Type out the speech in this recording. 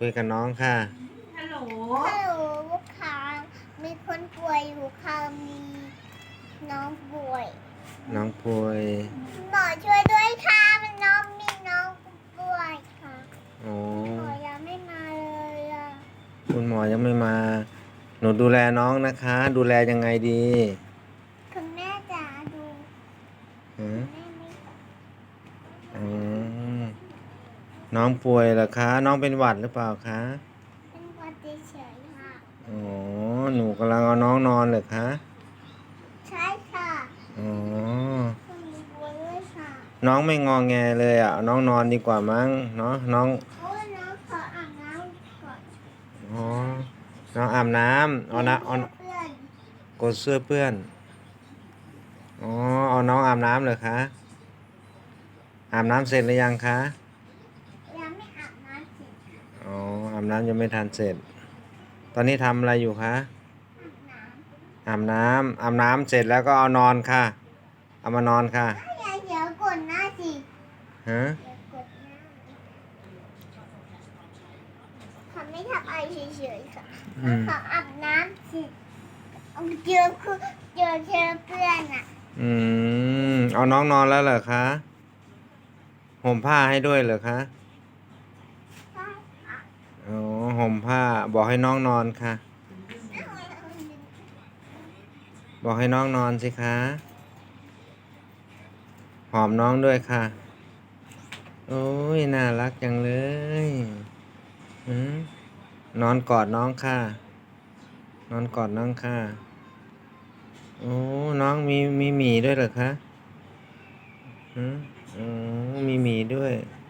คุยกับน้องค่ะฮัลโหลฮัลโหลลูกค้ามีคนป่วยอยู่ค่ะมีน้องป่วยน้องป่วยหมอช่วยด้วยค่ะมันมีน้องป่วยค่ะโอ้หมอยังไม่มาเลยอ่ะคุณหมอยังไม่มา หนูดูแลน้องนะคะ ดูแลยังไงดีคุณแม่จ๋าดูหือแม่ไม่อืมน้องป่วยเหรอคะ น้องเป็นหวัดหรือเปล่าคะเป็นหวัดเฉยๆค่ะอ๋อหนูกำลังเอาน้องนอนเหรอคะใช่ค่ะอ๋อคุณมีป่วยด้วยค่ะน้องไม่งอแงเลยอ่ะเอาน้องนอนดีกว่ามั้งเนาะน้องโอ้ยน้องขออาบน้ำก่อนอ๋อน้องอาบน้ำเอานะเอาเพื่อนกดเสื้อเปื้อนอ๋อเอาน้องอาบน้ำเหรอคะอาบน้ำเสร็จหรือยังคะยังไม่อาบน้ำสิอ๋ออาบน้ำยังไม่ทันเสร็จ ตอนนี้ทำอะไรอยู่คะอาบน้อาบน้ำเสร็จแล้วก็เอานอนค่ะ เอามานอนค่ะำเดี๋ยวกดหน้าสิฮะเดี๋ยวกดหน้าเขาไม่ทำอะไรเฉยๆค่ะเขาอาบน้ำสิเจอคือเจอเพื่อนอ่ะเอาน้องนอนแล้วเหรอคะห่มผ้าให้ด้วยเหรอคะใช่ค่ะอ๋อห่มผ้าบอกให้น้องนอนค่ะ บอกให้น้องนอนสิคะหอมน้องด้วยค่ะ โอ้ยน่ารักจังเลยนอนกอดน้องค่ะ นอนกอดน้องค่ะโอ้น้องมีหมีด้วยเหรอคะอืมอ๋อมีหมีด้วย